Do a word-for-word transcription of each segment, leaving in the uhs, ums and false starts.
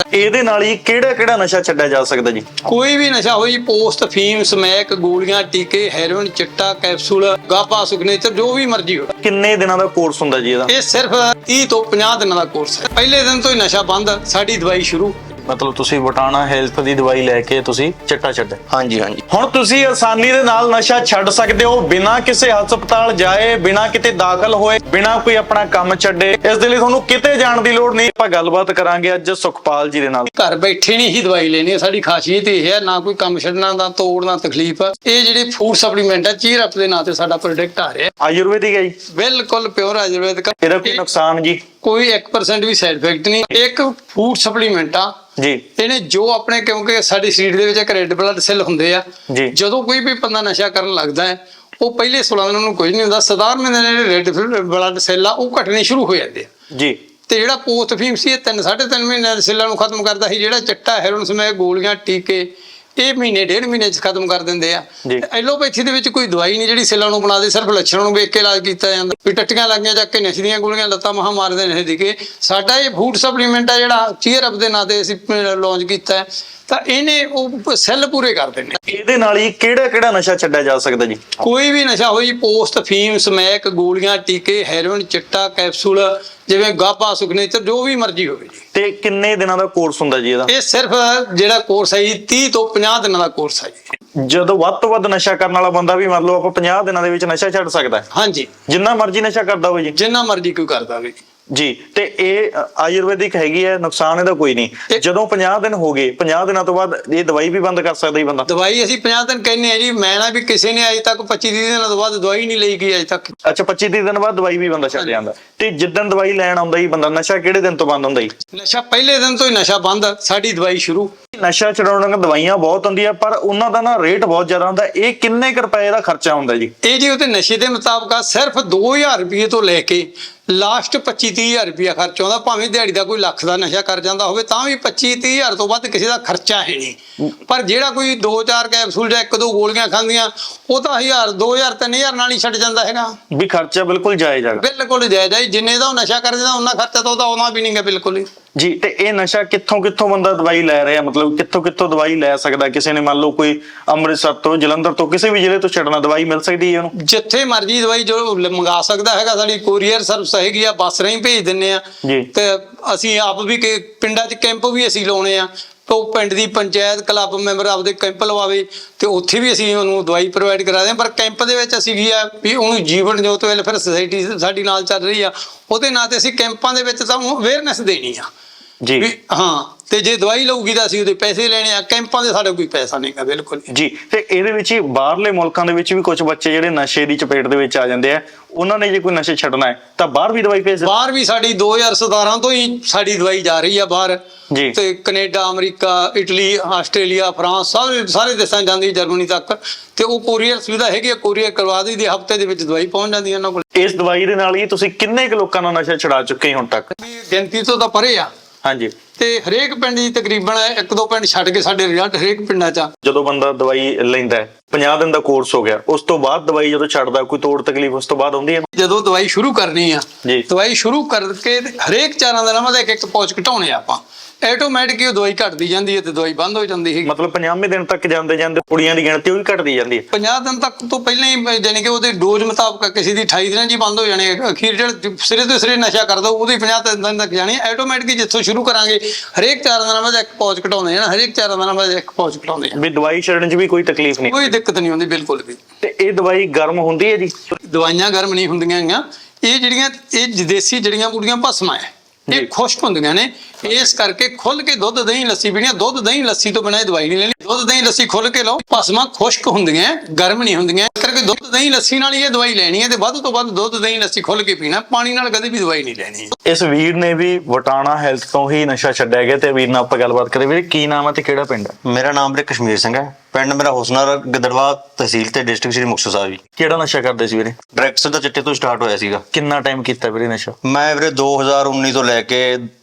ਇਹਦੇ ਨਾਲ ਹੀ ਕਿਹੜਾ ਕਿਹੜਾ ਨਸ਼ਾ ਛੱਡਿਆ ਜਾ ਸਕਦਾ ਜੀ? ਕੋਈ ਵੀ ਨਸ਼ਾ ਹੋਈ, ਪੋਸਟ, ਫੀਮ, ਸਮੈਕ, ਗੋਲੀਆਂ, ਟੀਕੇ, ਹੈਰੋਇਨ, ਚਿੱਟਾ, ਕੈਪਸੂਲ, ਗਾਪਾ, ਸੁਗਨੇਚਰ, ਜੋ ਵੀ ਮਰਜ਼ੀ ਹੋ। ਕਿੰਨੇ ਦਿਨਾਂ ਦਾ ਕੋਰਸ ਹੁੰਦਾ ਜੀ ਇਹਦਾ? ਇਹ ਸਿਰਫ ਤੀਹ ਤੋਂ ਪੰਜਾਹ ਦਿਨਾਂ ਦਾ ਕੋਰਸ ਹੈ। ਪਹਿਲੇ ਦਿਨ ਤੋਂ ਹੀ ਨਸ਼ਾ ਬੰਦ, ਸਾਡੀ ਦਵਾਈ ਸ਼ੁਰੂ। ਮਤਲਬ ਤੁਸੀਂ ਵਟਾਣਾ ਹੈਲਥ ਦੀ ਦਵਾਈ ਲੈ ਕੇ ਤੁਸੀਂ ਚਿੱਟਾ ਛੱਡਿਆ? ਹਾਂਜੀ ਹਾਂਜੀ। ਹੁਣ ਤੁਸੀਂ ਆਸਾਨੀ ਦੇ ਨਾਲ ਨਸ਼ਾ ਛੱਡ ਸਕਦੇ ਹੋ, ਬਿਨਾਂ ਕਿਸੇ ਹਸਪਤਾਲ ਜਾਏ, ਬਿਨਾਂ ਕਿਤੇ ਦਾਖਲ ਹੋਏ, ਬਿਨਾਂ ਕੋਈ ਆਪਣਾ ਕੰਮ ਛੱਡੇ। ਇਸ ਦੇ ਲਈ ਤੁਹਾਨੂੰ ਕਿਤੇ ਜਾਣ ਦੀ ਲੋੜ ਨਹੀਂ। ਆਪਾਂ ਗੱਲਬਾਤ ਕਰਾਂਗੇ ਅੱਜ ਸੁਖਪਾਲ ਜੀ ਦੇ ਨਾਲ। ਘਰ ਬੈਠੇ ਨਹੀਂ ਹੀ ਦਵਾਈ ਲੈਣੀ ਹੈ, ਸਾਡੀ ਖਾਸੀਅਤ ਇਹ ਹੈ। ਨਾ ਕੋਈ ਕੰਮ ਛੱਡਣਾ, ਨਾ ਤੋੜਨਾ, ਤਕਲੀਫ। ਇਹ ਜਿਹੜੇ ਫੂਡ ਸਪਲੀਮੈਂਟ ਹੈ, ਚੀਅਰ ਅਪ ਦੇ ਨਾਂ ਤੇ ਸਾਡਾ ਪ੍ਰੋਡਕਟ ਆ ਰਿਹਾ। ਆਯੁਰਵੈਦਿਕ ਹੈ ਜੀ? ਬਿਲਕੁਲ ਪਿਓਰ ਆਯੁਰਵੈਦਿਕ। ਇਹਦਾ ਕੋਈ ਨੁਕਸਾਨ ਜੀ? ਕੋਈ ਇੱਕ ਪਰਸੈਂਟ ਵੀ ਸਾਈਡ ਇਫੈਕਟ ਨਹੀਂ। ਇੱਕ ਫੂਡ ਸਪਲੀਮੈਂਟ ਆ ਜੀ। ਇਹਨੇ ਜੋ ਆਪਣੇ, ਕਿਉਂਕਿ ਸਾਡੇ ਸਰੀਰ ਦੇ ਵਿੱਚ ਇੱਕ ਰੈੱਡ ਬਲੱਡ ਸੈੱਲ ਹੁੰਦੇ ਆ। ਜਦੋਂ ਕੋਈ ਵੀ ਬੰਦਾ ਨਸ਼ਾ ਕਰਨ ਲੱਗਦਾ ਹੈ, ਉਹ ਪਹਿਲੇ ਸੋਲਾਂ ਦਿਨਾਂ ਨੂੰ ਕੁਝ ਨਹੀਂ ਹੁੰਦਾ। ਸਧਾਰਨ ਜਿਹੜੇ ਰੈੱਡ ਬਲੱਡ ਸੈੱਲ ਆ ਉਹ ਘਟਣੇ ਸ਼ੁਰੂ ਹੋ ਜਾਂਦੇ ਆ ਜੀ। ਤੇ ਜਿਹੜਾ ਪੋਸਟ ਫੀਮ ਸੀ, ਇਹ ਤਿੰਨ ਸਾਢੇ ਤਿੰਨ ਮਹੀਨਿਆਂ ਦੇ ਸੈੱਲਾਂ ਨੂੰ ਖਤਮ ਕਰਦਾ ਸੀ। ਜਿਹੜਾ ਚਿੱਟਾ, ਹੈਰੋਇਨ, ਸਮੈਕ, ਗੋਲੀਆਂ, ਟੀਕੇ, ਇਹ ਮਹੀਨੇ ਡੇਢ ਮਹੀਨੇ ਚ ਖਤਮ ਕਰ ਦਿੰਦੇ ਆ। ਐਲੋਪੈਥੀ ਦੇ ਵਿੱਚ ਕੋਈ ਦਵਾਈ ਨਹੀਂ ਜਿਹੜੀ ਸੈੱਲਾਂ ਨੂੰ ਬਣਾ ਦੇ, ਸਿਰਫ ਲੱਛਣਾਂ ਨੂੰ ਵੇਖ ਕੇ ਇਲਾਜ ਕੀਤਾ ਜਾਂਦਾ। ਵੀ ਟੱਟੀਆਂ ਲੱਗੀਆਂ ਚੱਕ ਕੇ ਨਸ਼ੇ ਦੀਆਂ ਗੋਲੀਆਂ, ਲੱਤਾਂ ਮਹਾਂ ਮਾਰਦੇ ਨਸ਼ੇ ਦੀ ਕੇ। ਸਾਡਾ ਇਹ ਫੂਡ ਸਪਲੀਮੈਂਟ ਆ ਜਿਹੜਾ ਚੀਅਰ ਅਪ ਦੇ ਨਾਂ ਤੇ ਅਸੀਂ ਲਾਂਚ ਕੀਤਾ ਹੈ, ਤਾਂ ਇਹਨੇ ਉਹ ਸੈੱਲ ਪੂਰੇ ਕਰ ਦੇਣੇ। ਇਹਦੇ ਨਾਲ ਹੀ ਕਿਹੜਾ ਕਿਹੜਾ ਨਸ਼ਾ ਛੱਡਿਆ ਜਾ ਸਕਦਾ ਜੀ? ਕੋਈ ਵੀ ਨਸ਼ਾ ਹੋਈ, ਪੋਸਟ, ਫੀਮ, ਸਮੈਕ, ਗੋਲੀਆਂ, ਟੀਕੇ, ਹੈਰੋਇਨ, ਚਿੱਟਾ, ਕੈਪਸੂਲ, ਜਿਵੇਂ ਗਾਪਾ, ਸੁਗਨੇਚਰ, ਜੋ ਵੀ ਮਰਜ਼ੀ ਹੋਵੇ ਜੀ। ਤੇ ਕਿੰਨੇ ਦਿਨਾਂ ਦਾ ਕੋਰਸ ਹੁੰਦਾ ਜੀ ਇਹਦਾ? ਇਹ ਸਿਰਫ ਜਿਹੜਾ ਕੋਰਸ ਹੈ ਜੀ ਤੀਹ ਤੋਂ ਪੰਜਾਹ ਦਿਨਾਂ ਦਾ ਕੋਰਸ ਹੈ ਜੀ। ਜਦੋਂ ਵੱਧ ਤੋਂ ਵੱਧ ਨਸ਼ਾ ਕਰਨ ਵਾਲਾ ਬੰਦਾ ਵੀ ਮੰਨ ਲਓ ਆਪਾਂ ਪੰਜਾਹ ਦਿਨਾਂ ਦੇ ਵਿੱਚ ਨਸ਼ਾ ਛੱਡ ਸਕਦਾ ਹੈ? ਹਾਂਜੀ, ਜਿੰਨਾ ਮਰਜ਼ੀ ਨਸ਼ਾ ਕਰਦਾ ਹੋਵੇ ਜੀ? ਜਿੰਨਾ ਮਰਜ਼ੀ ਕੋਈ ਕਰਦਾ ਹੋਵੇ ਜੀ। ਤੇ ਇਹ ਆਯੁਰਵੈਦਿਕ ਹੈਗੀ ਹੈ, ਨੁਕਸਾਨ ਇਹਦਾ ਕੋਈ ਨਹੀਂ। ਜਦੋਂ ਪੰਜਾਹ ਦਿਨ ਹੋ ਗਏ, ਪੰਜਾਹ ਦਿਨਾਂ ਤੋਂ ਬਾਅਦ ਇਹ ਦਵਾਈ ਵੀ ਬੰਦ ਕਰ ਸਕਦਾ ਹੀ ਬੰਦਾ? ਦਵਾਈ ਅਸੀਂ ਪੰਜਾਹ ਦਿਨ ਕਹਿੰਦੇ ਆ ਜੀ। ਮੈਂ ਨਾ ਵੀ ਕਿਸੇ ਨੇ ਅਜੇ ਤੱਕ ਪੱਚੀ ਤੀਹ ਦਿਨਾਂ ਤੋਂ ਬਾਅਦ ਦਵਾਈ ਨਹੀਂ ਲਈ ਗਈ ਅਜੇ ਤੱਕ। ਅੱਛਾ, ਪੱਚੀ ਤੀਹ ਦਿਨ ਬਾਅਦ ਦਵਾਈ ਵੀ ਬੰਦਾ ਛੱਡ ਜਾਂਦਾ? ਤੇ ਜਿੱਦਣ ਦਵਾਈ ਲੈਣ ਆਉਂਦਾ ਹੀ ਬੰਦਾ, ਨਸ਼ਾ ਕਿਹੜੇ ਦਿਨ ਤੋਂ ਬੰਦ ਹੁੰਦਾ ਜੀ? ਨਸ਼ਾ ਪਹਿਲੇ ਦਿਨ ਤੋਂ ਹੀ ਨਸ਼ਾ ਬੰਦ, ਸਾਡੀ ਦਵਾਈ ਸ਼ੁਰੂ। ਨਸ਼ਾ ਛਡਾਉਣ ਦੀਆਂ ਦਵਾਈਆਂ ਬਹੁਤ ਹੁੰਦੀਆਂ, ਪਰ ਉਹਨਾਂ ਦਾ ਨਾ ਰੇਟ ਬਹੁਤ ਜ਼ਿਆਦਾ ਹੁੰਦਾ। ਇਹ ਕਿੰਨੇ ਕੁ ਰੁਪਏ ਦਾ ਖਰਚਾ ਹੁੰਦਾ ਜੀ? ਇਹ ਜੀ ਉਹਦੇ ਨਸ਼ੇ ਦੇ ਮੁਤਾਬਕ ਆ, ਸਿਰਫ ਦੋ ਹਜ਼ਾਰ ਰੁਪਏ ਤੋਂ ਲੈ ਕੇ ਲਾਸਟ ਪੱਚੀ ਤੀਹ ਹਜ਼ਾਰ ਰੁਪਇਆ ਖਰਚ ਆਉਂਦਾ। ਭਾਵੇਂ ਦਿਹਾੜੀ ਦਾ ਕੋਈ ਲੱਖ ਦਾ ਨਸ਼ਾ ਕਰ ਜਾਂਦਾ ਹੋਵੇ, ਤਾਂ ਵੀ ਪੱਚੀ ਤੀਹ ਹਜ਼ਾਰ ਤੋਂ ਵੱਧ ਕਿਸੇ ਦਾ ਖਰਚਾ ਹੈ ਨਹੀਂ। ਪਰ ਜਿਹੜਾ ਕੋਈ ਦੋ ਚਾਰ ਕੈਪਸੂਲ ਜਾਂ ਇੱਕ ਦੋ ਗੋਲੀਆਂ ਖਾਂਦੀਆਂ, ਉਹ ਤਾਂ ਹਜ਼ਾਰ ਦੋ ਹਜ਼ਾਰ ਤਿੰਨ ਹਜ਼ਾਰ ਨਾਲ ਹੀ ਛੱਡ ਜਾਂਦਾ ਹੈਗਾ। ਵੀ ਖਰਚਾ ਬਿਲਕੁਲ ਜਾਇਜ਼ ਹੈ? ਬਿਲਕੁਲ ਜਾਇਜ਼ ਹੈ। ਜਿੰਨੇ ਦਾ ਉਹ ਨਸ਼ਾ ਕਰ ਜਾਂਦਾ ਉਹਨਾਂ ਖਰਚਾ ਤਾਂ ਉਹਦਾ ਆਉਣਾ ਵੀ ਨਹੀਂ ਗਾ ਬਿਲਕੁਲ ਹੀ ਜੀ। ਤੇ ਇਹ ਨਸ਼ਾ ਕਿੱਥੋਂ ਕਿੱਥੋਂ ਬੰਦਾ ਦਵਾਈ ਲੈ ਰਿਹਾ, ਮਤਲਬ ਕਿੱਥੋਂ ਕਿੱਥੋਂ ਦਵਾਈ ਲੈ ਸਕਦਾ? ਕਿਸੇ ਨੇ ਮੰਨ ਲਓ ਕੋਈ ਅੰਮ੍ਰਿਤਸਰ ਤੋਂ, ਜਲੰਧਰ ਤੋਂ, ਕਿਸੇ ਵੀ ਜ਼ਿਲ੍ਹੇ ਤੋਂ ਛੱਡਣਾ, ਦਵਾਈ ਮਿਲ ਸਕਦੀ ਹੈ ਉਹਨੂੰ? ਜਿੱਥੇ ਮਰਜ਼ੀ ਦਵਾਈ ਜੋ ਮੰਗਾ ਸਕਦਾ ਹੈਗਾ। ਸਾਡੀ ਕੋਰੀਅਰ ਸਰਵਿਸ ਹੈਗੀ ਆ, ਬੱਸ ਰਾਹੀਂ ਭੇਜ ਦਿੰਨੇ ਆ। ਤੇ ਅਸੀਂ ਆਪ ਵੀ ਪਿੰਡਾਂ 'ਚ ਕੈਂਪ ਵੀ ਅਸੀਂ ਲਾਉਣੇ ਆ। ਉਹ ਪਿੰਡ ਦੀ ਪੰਚਾਇਤ ਕਲੱਬ ਮੈਂਬਰ ਆਪਦੇ ਕੈਂਪ ਲਵਾਵੇ ਤੇ ਉੱਥੇ ਵੀ ਅਸੀਂ ਉਹਨੂੰ ਦਵਾਈ ਪ੍ਰੋਵਾਈਡ ਕਰਾ ਦਿਆਂ। ਪਰ ਕੈਂਪ ਦੇ ਵਿੱਚ ਅਸੀਂ ਕੀ ਆ ਵੀ ਉਹਨੂੰ ਜੀਵਨ ਜੋਤ ਵੈਲਫੇਅਰ ਸੁਸਾਇਟੀ ਸਾਡੀ ਨਾਲ ਚੱਲ ਰਹੀ ਆ, ਉਹਦੇ ਨਾਂ ਤੇ ਅਸੀਂ ਕੈਂਪਾਂ ਦੇ ਵਿੱਚ ਤਾਂ ਅਵੇਅਰਨੈਸ ਦੇਣੀ ਆ ਜੀ। ਹਾਂ, ਤੇ ਜੇ ਦਵਾਈ ਲਊਗੀ ਤਾਂ ਅਸੀਂ ਉਹਦੇ ਪੈਸੇ ਲੈਣੇ ਆ। ਕੈਂਪਾਂ ਦੇ ਸਾਡਾ ਕੋਈ ਪੈਸਾ ਨਹੀਂ ਗਾ ਬਿਲਕੁਲ ਜੀ। ਤੇ ਇਹਦੇ ਵਿੱਚ ਹੀ ਬਾਹਰਲੇ ਮੁਲਕਾਂ ਦੇ ਵਿੱਚ ਵੀ ਕੁਝ ਬੱਚੇ ਜਿਹੜੇ ਨਸ਼ੇ ਦੀ ਚਪੇਟ ਦੇ ਵਿੱਚ ਆ ਜਾਂਦੇ ਆ, ਉਹਨਾਂ ਨੇ ਜੇ ਕੋਈ ਨਸ਼ੇ ਛੱਡਣਾ ਹੈ ਤਾਂ ਬਾਹਰ ਵੀ ਦਵਾਈ ਭੇਜ? ਬਾਹਰ ਵੀ ਸਾਡੀ ਦੋ ਹਜ਼ਾਰ ਸਤਾਰਾਂ ਤੋਂ ਹੀ ਸਾਡੀ ਦਵਾਈ ਜਾ ਰਹੀ ਆ ਬਾਹਰ ਜੀ। ਤੇ Canada, America, Italy, Australia, France, ਸਾਰੇ ਸਾਰੇ ਦੇਸ਼ਾਂ ਜਾਂਦੀ, ਜਰਮਨੀ ਤੱਕ। ਤੇ ਉਹ ਕੋਰੀਅਰ ਸੁਵਿਧਾ ਹੈਗੀ ਆ, ਕੋਰੀਅਰ ਕਰਵਾ ਦਈਦੀ, ਹਫ਼ਤੇ ਦੇ ਵਿੱਚ ਦਵਾਈ ਪਹੁੰਚ ਜਾਂਦੀ ਹੈ ਉਹਨਾਂ ਕੋਲ। ਇਸ ਦਵਾਈ ਦੇ ਨਾਲ ਹੀ ਤੁਸੀਂ ਕਿੰਨੇ ਕੁ ਲੋਕਾਂ ਦਾ ਨਸ਼ਾ ਛੁਡਾ ਚੁੱਕੇ ਹੁਣ ਤੱਕ? ਗਿਣਤੀ ਤੋਂ ਤਾਂ ਪਰੇ ਆ। ਹਾਂਜੀ। ਤੇ ਹਰੇਕ ਪਿੰਡ ਦੀ ਤਕਰੀਬਨ ਇੱਕ ਦੋ ਪਿੰਡ ਛੱਡ ਕੇ ਸਾਡੇ ਰਿਜ਼ਲਟ ਹਰੇਕ ਪਿੰਡਾਂ 'ਚ। ਜਦੋਂ ਬੰਦਾ ਦਵਾਈ ਲੈਂਦਾ ਹੈ, ਪੰਜਾਹ ਦਿਨ ਦਾ ਕੋਰਸ ਹੋ ਗਿਆ, ਉਸ ਤੋਂ ਬਾਅਦ ਦਵਾਈ ਜਦੋਂ ਛੱਡਦਾ, ਕੋਈ ਤੋੜ ਤਕਲੀਫ ਉਸ ਤੋਂ ਬਾਅਦ ਆਉਂਦੀ ਹੈ? ਜਦੋਂ ਦਵਾਈ ਸ਼ੁਰੂ ਕਰਨੀ ਆ, ਜੀ, ਦਵਾਈ ਸ਼ੁਰੂ ਕਰਕੇ ਹਰੇਕ ਚਾਰਾਂ ਦਿਨਾਂ ਬਾਅਦ ਇੱਕ ਇੱਕ ਪੌਚ ਘਟਾਉਣੇ ਆ ਆਪਾਂ। ਆਟੋਮੈਟਿਕ ਉਹ ਦਵਾਈ ਘਟਦੀ ਜਾਂਦੀ ਹੈ ਤੇ ਦਵਾਈ ਬੰਦ ਹੋ ਜਾਂਦੀ ਹੈ। ਮਤਲਬ ਪੰਜਾਹਵੇਂ ਦਿਨ ਤੱਕ ਜਾਂਦੇ ਜਾਂਦੇ ਕੁੜੀਆਂ ਦੀ ਗਿਣਤੀ ਉਹ ਵੀ ਘਟਦੀ ਜਾਂਦੀ ਹੈ? ਪੰਜਾਹ ਦਿਨ ਤੱਕ ਤੋਂ ਪਹਿਲਾਂ ਹੀ, ਜਾਣੀ ਕਿ ਉਹਦੇ ਡੋਜ਼ ਮੁਤਾਬਕ ਕਿਸੇ ਦੀ ਅਠਾਈ ਦਿਨਾਂ 'ਚ ਹੀ ਬੰਦ ਹੋ ਜਾਣੀ ਹੈ। ਅਖੀਰ ਜਿਹੜਾ ਸਿਰੇ ਤੋਂ ਸਿਰੇ ਨਸ਼ਾ ਕਰਦਾ ਉਹਦੀ ਪੰਜਾਹ ਦਿਨ ਤੱਕ ਜਾਣੀ ਹੈ। ਆਟੋਮੈਟਿਕ ਜਿੱਥੋਂ ਸ਼ੁਰੂ ਕਰਾਂਗੇ ਹਰੇਕ ਚਾਰ ਦਿਨਾਂ ਬਾਅਦ ਇੱਕ ਪੌਚ ਘਟਾਉਂਦੇ ਜਾਣਾ, ਹਰੇਕ ਚਾਰ ਦਿਨਾਂ ਬਾਅਦ ਇੱਕ ਪੌਚ ਘਟਾਉਂਦੇ ਜਾਣਾ। ਵੀ ਦਵਾਈ ਛੱਡਣ 'ਚ ਵੀ ਕੋਈ ਤਕਲੀਫ ਨਹੀਂ? ਕੋਈ ਦਿੱਕਤ ਨਹੀਂ ਹੁੰਦੀ ਬਿਲਕੁਲ ਵੀ। ਤੇ ਇਹ ਦਵਾਈ ਗਰਮ ਹੁੰਦੀ ਹੈ ਜੀ? ਦਵਾਈਆਂ ਗਰਮ ਨਹੀਂ ਹੁੰਦੀਆਂ ਹੈਗੀਆਂ। ਇਹ ਜਿਹੜੀਆਂ ਇਹ ਦੇਸੀ ਜੜੀਆਂ ਬੂਟੀਆਂ ਭਸਮਾਂ ਹੈ, ਇਹ ਖੁਸ਼ਕ ਹੁੰਦੀਆਂ ਨੇ। ਇਸ ਕਰਕੇ ਖੁੱਲ ਕੇ ਦੁੱਧ ਦਹੀਂ ਲੱਸੀ ਪੀਣੀ। ਦੁੱਧ ਦਹੀਂ ਲੱਸੀ ਤੋਂ ਬਿਨਾਂ ਇਹ ਦਵਾਈ ਨਹੀਂ ਲੈਣੀ। ਦੁੱਧ ਦਹੀਂ ਲੱਸੀ ਖੁੱਲ ਕੇ ਲਓ। ਭਸਮਾਂ ਖੁਸ਼ਕ ਹੁੰਦੀਆਂ, ਗਰਮ ਨਹੀਂ ਹੁੰਦੀਆਂ। ਇਸ ਕਰਕੇ ਦੁੱਧ ਦਹੀਂ ਲੱਸੀ ਨਾਲ ਹੀ ਇਹ ਦਵਾਈ ਲੈਣੀ ਹੈ ਤੇ ਵੱਧ ਤੋਂ ਵੱਧ ਦੁੱਧ ਦਹੀਂ ਲੱਸੀ ਖੁੱਲ ਕੇ ਪੀਣਾ। ਪਾਣੀ ਨਾਲ ਕਦੇ ਵੀ ਦਵਾਈ ਨਹੀਂ ਲੈਣੀ। ਇਸ ਵੀਰ ਨੇ ਵੀ ਵਟਾਣਾ ਹੈਲਥ ਤੋਂ ਹੀ ਨਸ਼ਾ ਛੱਡਿਆ ਗਿਆ। ਤੇ ਵੀਰ ਨਾਲ ਆਪਾਂ ਗੱਲਬਾਤ ਕਰੇ। ਵੀਰੇ ਕੀ ਨਾਮ ਹੈ ਤੇ ਕਿਹੜਾ ਪਿੰਡ ਹੈ? ਮੇਰਾ ਨਾਮ ਵੀਰੇ ਕਸ਼ਮੀਰ ਸਿੰਘ ਹੈ। ਪਿੰਡ ਮੇਰਾ ਹੁਸਨਰ, ਗਿੱਦੜਵਾ ਤਹਿਸੀਲ ਤੇ ਡਿਸਟ੍ਰਿਕਟ ਸ੍ਰੀ ਮੁਕਤਸਰ ਸਾਹਿਬ ਜੀ। ਕਿਹੜਾ ਨਸ਼ਾ ਕਰਦੇ ਸੀ ਵੀਰੇ? ਡਾਇਰੈਕਟ ਦਾ ਚਿੱਟੇ ਤੋਂ ਸਟਾਰਟ ਹੋਇਆ ਸੀਗਾ। ਕਿੰਨਾ ਟਾਈਮ ਕੀਤਾ ਵੀਰੇ ਨਸ਼ਾ? ਮੈਂ ਵੀਰੇ ਦੋ ਹਜ਼ਾਰ ਉੱਨੀ ਤੋਂ ਲੈ ਕੇ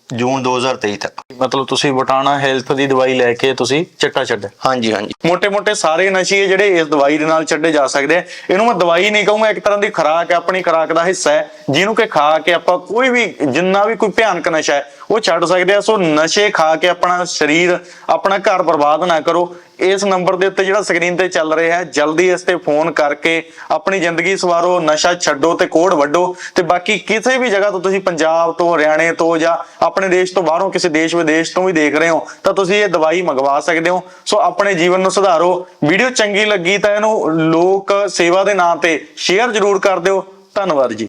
ਜੂਨ ਦੋ ਹਜ਼ਾਰ ਤੇਈ ਤੱਕ। ਮਤਲਬ ਤੁਸੀਂ ਬਟਾਣਾ ਹੈਲਥ ਦੀ ਦਵਾਈ ਲੈ ਕੇ ਤੁਸੀਂ ਚਿੱਟਾ ਛੱਡਿਆ। ਹਾਂਜੀ ਹਾਂਜੀ। ਮੋٹے-ਮੋٹے ਸਾਰੇ ਨਸ਼ੇ ਜਿਹੜੇ ਇਸ ਦਵਾਈ ਦੇ ਨਾਲ ਛੱਡੇ ਜਾ ਸਕਦੇ ਆ। ਇਹਨੂੰ ਮੈਂ ਦਵਾਈ ਨਹੀਂ ਕਹੂੰਗਾ, ਇੱਕ ਤਰ੍ਹਾਂ ਦੀ ਖੁਰਾਕ ਹੈ, ਆਪਣੀ ਖੁਰਾਕ ਦਾ ਹਿੱਸਾ ਹੈ, ਜਿਹਨੂੰ ਕਿ ਖਾ ਕੇ ਆਪਾਂ ਕੋਈ ਵੀ ਜਿੰਨਾ ਵੀ ਕੋਈ ਭਿਆਨਕ ਨਸ਼ਾ ਹੈ ਉਹ ਛੱਡ ਸਕਦੇ ਆ। ਸੋ ਨਸ਼ੇ ਖਾ ਕੇ ਆਪਣਾ ਸਰੀਰ, ਆਪਣਾ ਘਰ ਬਰਬਾਦ ਨਾ ਕਰੋ। ਇਸ ਨੰਬਰ ਦੇ ਉੱਤੇ ਜਿਹੜਾ ਸਕਰੀਨ ਤੇ ਚੱਲ ਰਿਹਾ ਹੈ, ਜਲਦੀ ਇਸ ਤੇ ਫੋਨ ਕਰਕੇ ਆਪਣੀ ਜ਼ਿੰਦਗੀ ਸਵਾਰੋ, ਨਸ਼ਾ ਛੱਡੋ ਤੇ ਕੋੜ ਵੱਢੋ। ਤੇ ਬਾਕੀ ਕਿਸੇ ਵੀ ਜਗ੍ਹਾ ਤੋਂ ਤੁਸੀਂ ਪੰਜਾਬ ਤੋਂ, ਹਰਿਆਣੇ ਤੋਂ ਜਾਂ ਆਪਣੇ ਦੇਸ਼ ਤੋਂ ਬਾਹਰੋਂ ਕਿਸੇ ਦੇਸ਼ ਵਿਦੇਸ਼ ਤੋਂ ਵੀ ਦੇਖ ਰਹੇ ਹੋ ਤਾਂ ਤੁਸੀਂ ਇਹ ਦਵਾਈ ਮੰਗਵਾ ਸਕਦੇ ਹੋ। ਸੋ ਆਪਣੇ ਜੀਵਨ ਨੂੰ ਸੁਧਾਰੋ। ਵੀਡੀਓ ਚੰਗੀ ਲੱਗੀ ਤਾਂ ਇਹਨੂੰ ਲੋਕ ਸੇਵਾ ਦੇ ਨਾਂ ਤੇ ਸ਼ੇਅਰ ਜ਼ਰੂਰ ਕਰ ਦਿਓ। ਧੰਨਵਾਦ ਜੀ।